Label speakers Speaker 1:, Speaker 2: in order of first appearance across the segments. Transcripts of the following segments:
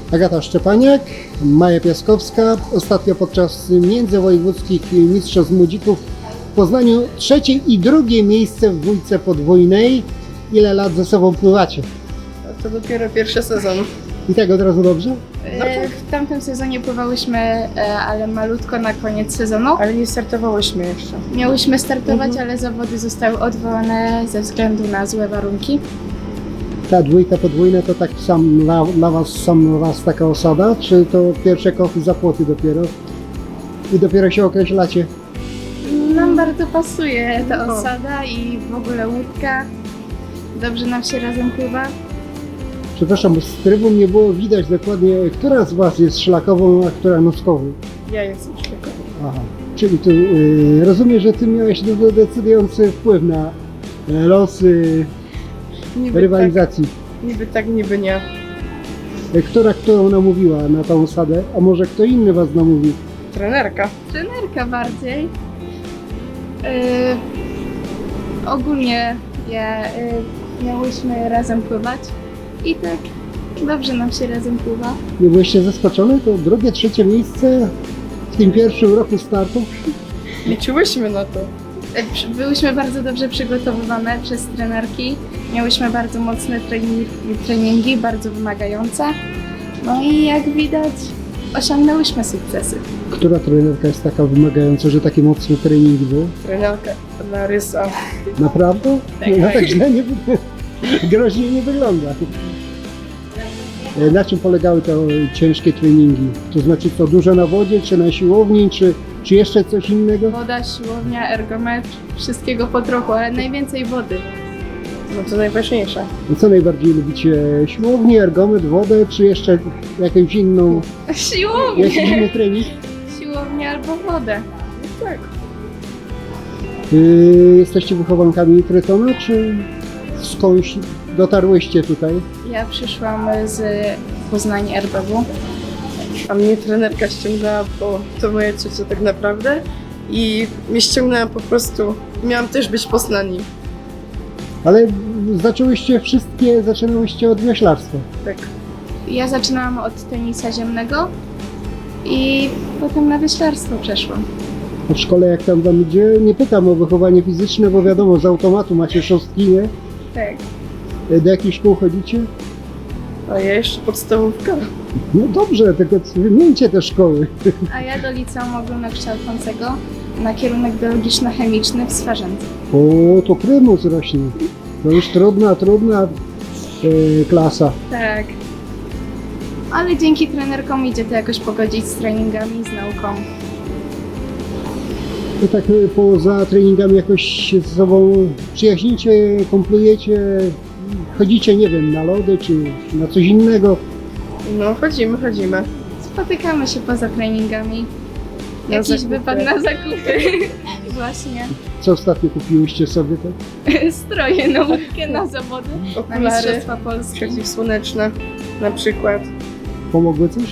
Speaker 1: Agata Szczepaniak, Maja Piaskowska. Ostatnio podczas międzywojewódzkich mistrzostw młodzików w Poznaniu trzecie i drugie miejsce w dwójce podwójnej. Ile lat ze sobą pływacie?
Speaker 2: To dopiero pierwszy sezon.
Speaker 1: I tak od razu dobrze?
Speaker 3: W tamtym sezonie pływałyśmy, ale malutko na koniec sezonu.
Speaker 2: Ale nie startowałyśmy jeszcze.
Speaker 3: Miałyśmy startować, ale zawody zostały odwołane ze względu na złe warunki.
Speaker 1: Ta dwójka podwójna to tak dla Was sam raz taka osada, czy to pierwsze kochy za płoty dopiero? I dopiero się określacie?
Speaker 3: Nam bardzo pasuje ta osada i w ogóle łódka. Dobrze nam się razem pływa.
Speaker 1: Przepraszam, bo z trybun nie było widać dokładnie, która z Was jest szlakową, a która noskową.
Speaker 2: Ja jestem szlakowa.
Speaker 1: Aha, czyli tu rozumiem, że Ty miałeś decydujący wpływ na losy rywalizacji.
Speaker 2: Niby tak, niby nie.
Speaker 1: Którą namówiła na tą osadę, a może kto inny Was namówił?
Speaker 2: Trenerka.
Speaker 3: Trenerka bardziej. Ogólnie miałyśmy razem pływać i tak dobrze nam się razem pływa.
Speaker 1: Nie byłyście zaskoczone? To drugie, trzecie miejsce w tym pierwszym roku startu?
Speaker 2: Liczyłyśmy na to.
Speaker 3: Byłyśmy bardzo dobrze przygotowywane przez trenerki. Miałyśmy bardzo mocne treningi, bardzo wymagające. No i jak widać, osiągnęłyśmy sukcesy.
Speaker 1: Która trenerka jest taka wymagająca, że takie mocne treningi były?
Speaker 2: Trenerka Larysa.
Speaker 1: Naprawdę?
Speaker 3: Tak.
Speaker 1: No tak źle nie groźnie nie wygląda. Na czym polegały te ciężkie treningi? To znaczy co, dużo na wodzie, czy na siłowni, czy jeszcze coś innego?
Speaker 3: Woda, siłownia, ergometr, wszystkiego po trochu, ale najwięcej wody.
Speaker 2: No to najważniejsze.
Speaker 1: No co najbardziej lubicie? Siłownię, ergometr, wodę, czy jeszcze jakąś inną, jakiś
Speaker 3: Siłownię!
Speaker 1: inny trening?
Speaker 3: Siłownię albo wodę.
Speaker 2: Tak.
Speaker 1: Jesteście wychowankami Trytona, czy skądś dotarłyście tutaj?
Speaker 3: Ja przyszłam z Poznania RBW.
Speaker 2: A mnie trenerka ściągnęła, bo to moja ciocia tak naprawdę. I mnie ściągnęła po prostu. Miałam też być w Poznaniu.
Speaker 1: Ale zaczynałyście od wioślarstwa.
Speaker 2: Tak.
Speaker 3: Ja zaczynałam od tenisa ziemnego i potem na wioślarstwo przeszłam.
Speaker 1: A w szkole jak tam wam idzie? Nie pytam o wychowanie fizyczne, bo wiadomo, z automatu macie szóstki, nie?
Speaker 3: Tak.
Speaker 1: Do jakich szkół chodzicie?
Speaker 2: A ja jeszcze podstawówka.
Speaker 1: No dobrze, tylko wymieńcie te szkoły.
Speaker 3: A ja do liceum ogólnokształcącego na kierunek biologiczno-chemiczny w Swarzędzu.
Speaker 1: O, to prymus rośnie. To już trudna klasa.
Speaker 3: Tak. Ale dzięki trenerkom idzie to jakoś pogodzić z treningami, z nauką.
Speaker 1: To tak poza treningami jakoś się ze sobą przyjaźnicie, kumplujecie, chodzicie, nie wiem, na lody czy na coś innego.
Speaker 2: No chodzimy.
Speaker 3: Spotykamy się poza treningami.
Speaker 2: Na
Speaker 3: Jakiś
Speaker 2: zakupy.
Speaker 3: wypad na zakupy. Właśnie.
Speaker 1: Co ostatnio kupiłyście sobie tak?
Speaker 3: Stroje na łódkę, na zawody, na
Speaker 2: Okulary
Speaker 3: Mistrzostwa Polski.
Speaker 2: przeciwsłoneczne na przykład.
Speaker 1: Pomogły coś?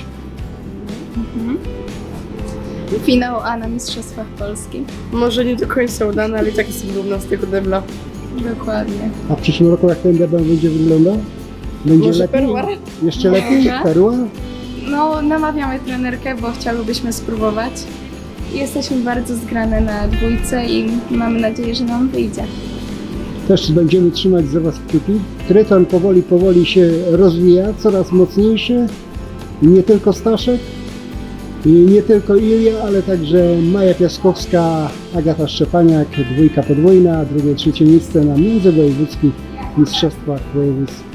Speaker 3: Finał A na Mistrzostwach Polski.
Speaker 2: Może nie do końca udane, ale i tak jestem dumna z tego debla.
Speaker 3: Dokładnie.
Speaker 1: A w przyszłym roku jak ten debiut będzie wyglądał? Będzie
Speaker 2: Może
Speaker 1: lepiej?
Speaker 2: perła?
Speaker 1: Jeszcze lepiej?
Speaker 3: Może.
Speaker 1: Perła?
Speaker 3: No, namawiamy trenerkę, bo chciałybyśmy spróbować. Jesteśmy bardzo zgrane na dwójce i mamy nadzieję, że nam wyjdzie.
Speaker 1: Też będziemy trzymać za Was kciuki. Tryton powoli się rozwija, coraz mocniejszy. Nie tylko Staszek, i nie tylko Ilia, ale także Maja Piaskowska, Agata Szczepaniak, dwójka podwójna, drugie, trzecie miejsce na międzywojewódzkich mistrzostwach województw.